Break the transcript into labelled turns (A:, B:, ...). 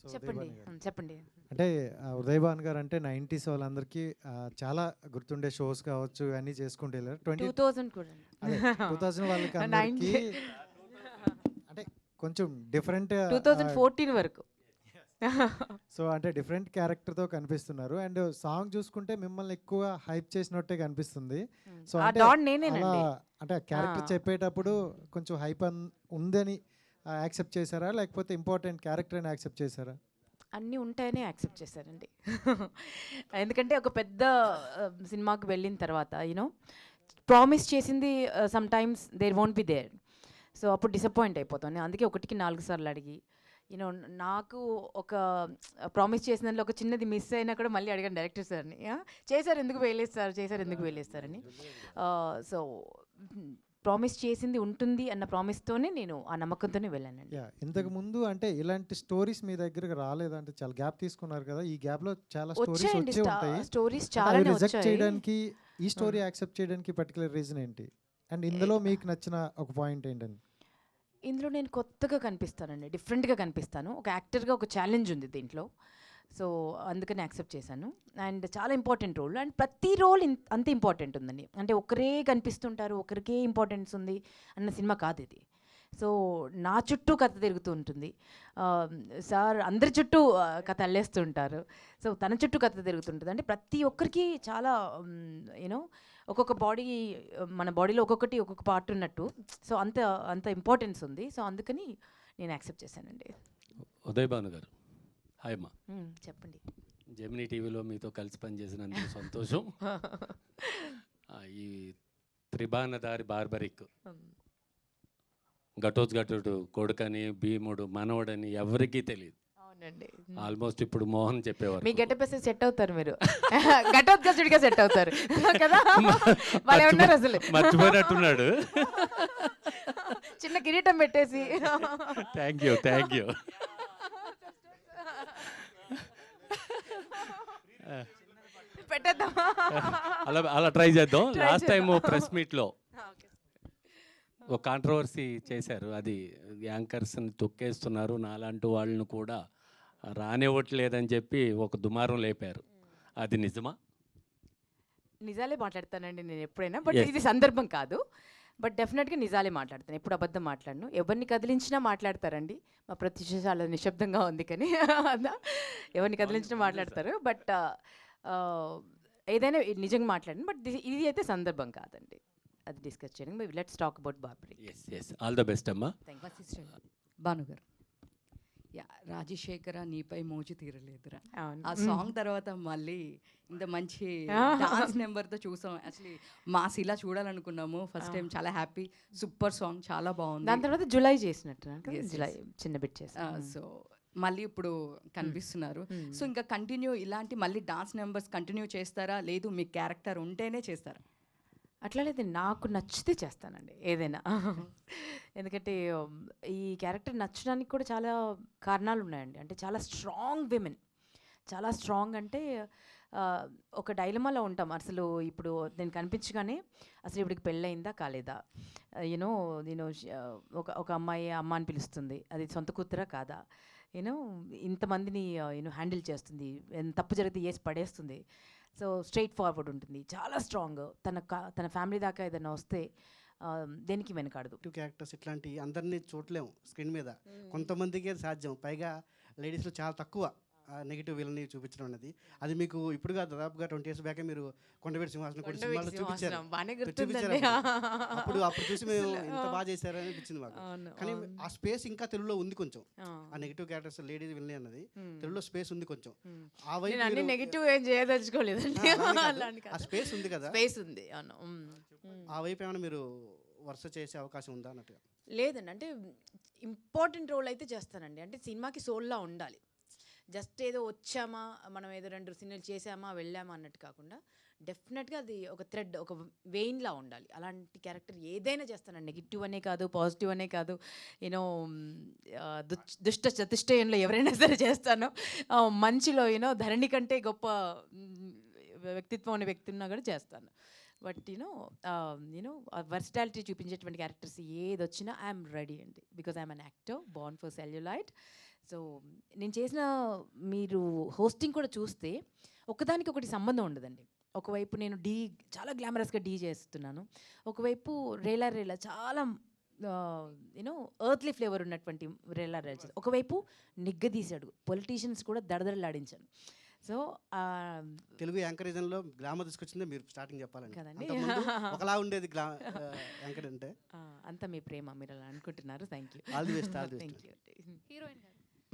A: So
B: చెప్పండి
A: ఉదయభాను గారు
B: చెప్పండి.
A: అంటే ఉదయభాను గారు అంటే 90s వాళ్ళందరికీ చాలా గుర్తుండే షోస్ కావచ్చు ఇవన్నీ చేసుకుంటూ వెళ్ళారు
B: 2000 కూడా
A: అదే 2000 వాళ్ళకి అందరికీ
B: 90
A: అంటే కొంచెం డిఫరెంట్
B: 2014 వరకు.
A: సో అంటే డిఫరెంట్ క్యారెక్టర్తో కనిపిస్తున్నారు అండ్ సాంగ్ చూసుకుంటే మిమ్మల్ని ఎక్కువ హైప్ చేసినట్టే కనిపిస్తుంది సో
B: ఆ
A: అంటే
B: డాన్
A: అలా
B: నేనేనండి.
A: అంటే క్యారెక్టర్ చెప్పేటప్పుడు కొంచెం హైప్ ఉందని యాక్సెప్ట్ చేశారా లేకపోతే ఇంపార్టెంట్ క్యారెక్టర్ అని యాక్సెప్ట్ చేశారా
B: అన్నీ ఉంటాయని యాక్సెప్ట్ చేశారండి. ఎందుకంటే ఒక పెద్ద సినిమాకి వెళ్ళిన తర్వాత యూనో ప్రామిస్ చేసింది some times there won't be there. So అప్పుడు డిసప్పాయింట్ అయిపోతాను. అందుకే ఒకటికి 4 సార్లు అడిగి యూనో నాకు ఒక ప్రామిస్ చేసిన దాంట్లో ఒక చిన్నది మిస్ అయినా కూడా మళ్ళీ అడిగాను డైరెక్టర్ సార్ని. చేశారు ఎందుకు వేయలేదు చేశారు ఎందుకు వేయలేస్తారని. సో ప్రామిస్ చేసింది ఉంటుంది అన్న ప్రామిస్తోనే నేను ఆ నమ్మకంతోనే వెళ్ళానండి.
A: యా ఇంతకు ముందు అంటే ఇలాంటి స్టోరీస్ మీ దగ్గరకు రాలేదంటే చాలా గ్యాప్ తీసుకున్నారు కదా ఈ గ్యాప్ లో చాలా స్టోరీస్
B: వచ్చాయండి,
A: వచ్చే ఉంటాయి
B: స్టోరీస్
A: అంటే అవి
B: చాలానే
A: రిజెక్ట్
B: వచ్చాయి.
A: చేయడానికి ఈ స్టోరీ యాక్సెప్ట్ చేయడానికి పర్టికులర్ రీజన్ ఏంటి అండ్ ఇందులో మీకు నచ్చిన ఒక పాయింట్ ఏంటని
B: ఇందులో నేను కొత్తగా కనిపిస్తానండి, డిఫరెంట్గా కనిపిస్తాను. ఒక యాక్టర్గా ఒక ఛాలెంజ్ ఉంది దీంట్లో. సో అందుకని యాక్సెప్ట్ చేశాను. అండ్ చాలా ఇంపార్టెంట్ రోల్, అండ్ ప్రతి రోల్ అంత ఇంపార్టెంట్ ఉందండి. అంటే ఒకరే కనిపిస్తుంటారు, ఒకరికే ఇంపార్టెన్స్ ఉంది అన్న సినిమా కాదు ఇది. సో నా చుట్టూ కథ తిరుగుతూ ఉంటుంది. సార్ అందరి చుట్టూ కథ అల్లేస్తూ ఉంటారు. సో తన చుట్టూ కథ తిరుగుతుంటుంది. అంటే ప్రతి ఒక్కరికి చాలా యూనో ఒక్కొక్క బాడీ, మన బాడీలో ఒక్కొక్కటి ఒక్కొక్క పార్ట్ ఉన్నట్టు. సో అంత అంత ఇంపార్టెన్స్ ఉంది. సో అందుకని నేను యాక్సెప్ట్ చేశానండి.
C: ఉదయభాను గారు హాయ్ అమ్మా.
B: చెప్పండి.
C: జెమినీ టీవీలో మీతో కలిసి పనిచేసినందుకు సంతోషం. ఈ త్రిబాణదారి బార్బరిక్ ఘటోత్కచుడు కొడుకని భీముడు మనవడని ఎవరికీ తెలియదు.
B: అవునండి.
C: ఆల్మోస్ట్ ఇప్పుడు మోహన్ చెప్పేవారు
B: మీ గెటప్ వేస్తే సెట్ అవుతారు మీరు. ఘటోత్కచుడిగా సెట్ అవుతారు కదా. భలే ఉన్నారు అసలు.
C: మర్చిపోయినట్టున్నాడు.
B: చిన్న కిరీటం పెట్టేసి.
C: Thank you thank you.
B: పెట్టేద్దామా?
C: అలా ట్రై చేద్దాం. లాస్ట్ టైం ప్రెస్ మీట్లో ఒక కాంట్రవర్సీ చేశారు. అది యాంకర్స్ని తొక్కేస్తున్నారు, నాలాంటి వాళ్ళను కూడా రానివ్వట్లేదని చెప్పి ఒక దుమారం లేపారు. అది నిజమా?
B: నిజాలే మాట్లాడతానండి నేను ఎప్పుడైనా, బట్ ఇది సందర్భం కాదు. బట్ డెఫినెట్గా నిజాలే మాట్లాడతాను, ఎప్పుడు అబద్ధం మాట్లాడను. ఎవరిని కదిలించినా మాట్లాడతారండి. మా ప్రత్యూష చాలా నిశ్శబ్దంగా ఉంది కానీ ఎవరిని కదిలించినా మాట్లాడతారు. బట్ ఏదైనా నిజంగా మాట్లాడండి. బట్ ఇది అయితే సందర్భం కాదండి అది డిస్కస్ చేయడం. Let's talk about barbary.
C: Yes yes all the best అమ్మా.
D: భానుగారు, యా రాజశేఖర నీపై మోజు తీరలేదురా,
B: అవును.
D: ఆ సాంగ్ తర్వాత మళ్ళీ ఇంత మంచి డాన్స్ నెంబర్తో చూసాం. యాక్చువల్లీ మాస్ ఇలా చూడాలనుకున్నాము ఫస్ట్ టైం. చాలా హ్యాపీ, సూపర్ సాంగ్, చాలా బాగుంది.
B: దాని తర్వాత జులై చేసినట్టు.
D: Yes,
B: జులై చిన్న బిట్ చేసి.
D: సో మళ్ళీ ఇప్పుడు కనిపిస్తున్నారు. సో ఇంకా కంటిన్యూ ఇలాంటి మళ్ళీ డాన్స్ నెంబర్స్ కంటిన్యూ చేస్తారా, లేదు మీ క్యారెక్టర్ ఉంటేనే చేస్తారా?
B: అట్లా లేదు, నాకు నచ్చితే చేస్తానండి ఏదైనా. ఎందుకంటే ఈ క్యారెక్టర్ నచ్చడానికి కూడా చాలా కారణాలు ఉన్నాయండి. అంటే చాలా స్ట్రాంగ్ విమెన్, చాలా స్ట్రాంగ్. అంటే ఒక డైలమాలో ఉంటాం. అసలు ఇప్పుడు నేను కనిపించగానే అసలు ఇప్పటికి పెళ్ళయిందా కాలేదా, యూనో నేను ఒక అమ్మాయి అమ్మ అని పిలుస్తుంది, అది సొంత కూతురా కాదా, యూనో ఇంతమందిని యూనో హ్యాండిల్ చేస్తుంది, తప్పు జరిగితే వేసి పడేస్తుంది. సో స్ట్రైట్ ఫార్వర్డ్ ఉంటుంది, చాలా స్ట్రాంగ్. తన ఫ్యామిలీ దాకా ఏదైనా వస్తే దేనికి వెనకాడదు.
E: నెగిటివ్ క్యారెక్టర్స్ ఇట్లాంటి అందరినీ చూడలేము స్క్రీన్ మీద, కొంతమందికే సాధ్యం. పైగా లేడీస్లో చాలా తక్కువ నెగిటివ్ విలన్ని చూపించడం అనేది. అది మీకు ఇప్పుడు కాదు, దాదాపుగా 20 years బ్యాకే మీరు కొండవీటి సింహాసనం కూడా సినిమాలో చూపించారు. అప్పుడు చూసి మేము ఇంత బాగా చేశారని అనిపించింది మాకు. కానీ ఆ స్పేస్ ఇంకా తెలుగులో ఉంది కొంచెం. ఆ నెగిటివ్ క్యారెక్టర్స్ లేడీస్ విలన్ అన్నది తెలుగులో స్పేస్ ఉంది కొంచెం. ఆ వైపు
B: నెగిటివ్ ఏం చేయదలుచుకోలేదండి.
E: ఆ స్పేస్ ఉంది కదా,
B: స్పేస్ ఉంది. అవును.
E: ఆ వైపు ఏమైనా మీరు వరుస చేసే అవకాశం ఉందా అన్నట్టుగా?
B: లేదండి, అంటే ఇంపార్టెంట్ రోల్ అయితే చేస్తానండి. అంటే సినిమాకి సోల్లా ఉండాలి. జస్ట్ ఏదో వచ్చామా, మనం ఏదో 2 సినిమాలు చేసామా వెళ్ళామా అన్నట్టు కాకుండా డెఫినెట్గా అది ఒక థ్రెడ్, ఒక వెయిన్లా ఉండాలి. అలాంటి క్యారెక్టర్ ఏదైనా చేస్తానండి. నెగిటివ్ అనే కాదు, పాజిటివ్ అనే కాదు, యూనో దుష్ట చతుష్టయంలో ఎవరైనా సరే చేస్తాను. మంచిలో యూనో ధరణి కంటే గొప్ప వ్యక్తిత్వం అనే వ్యక్తి ఉన్నా కూడా చేస్తాను. బట్ యూనో వర్సిటాలిటీ చూపించేటువంటి క్యారెక్టర్స్ ఏది వచ్చినా ఐఎమ్ రెడీ అండి. Because I'm an actor born for celluloid. So నేను చేసిన మీరు హోస్టింగ్ కూడా చూస్తే ఒకదానికి ఒకటి సంబంధం ఉండదండి. ఒకవైపు నేను చాలా గ్లామరస్గా చేస్తున్నాను, ఒకవైపు రేలా రేలా చాలా యూనో ఎర్త్లీ ఫ్లేవర్ ఉన్నటువంటి రేలా రేలా, ఒకవైపు నిగ్గదీశాడు, పొలిటీషియన్స్ కూడా దడదడలాడించాను. సో
E: తెలుగు యాంకరిజంలో గ్లామర్ తీసుకొచ్చిందే మీరు స్టార్టింగ్ చెప్పాలండి.
B: కదండి.
E: అంతకుముందు ఒకలా ఉండేది యాంకర్ అంటే.
B: అంతా మీ ప్రేమ, మీరు అలా అనుకుంటున్నారు. Thank you.
E: All the best.
B: Thank you.
F: Heroine గారు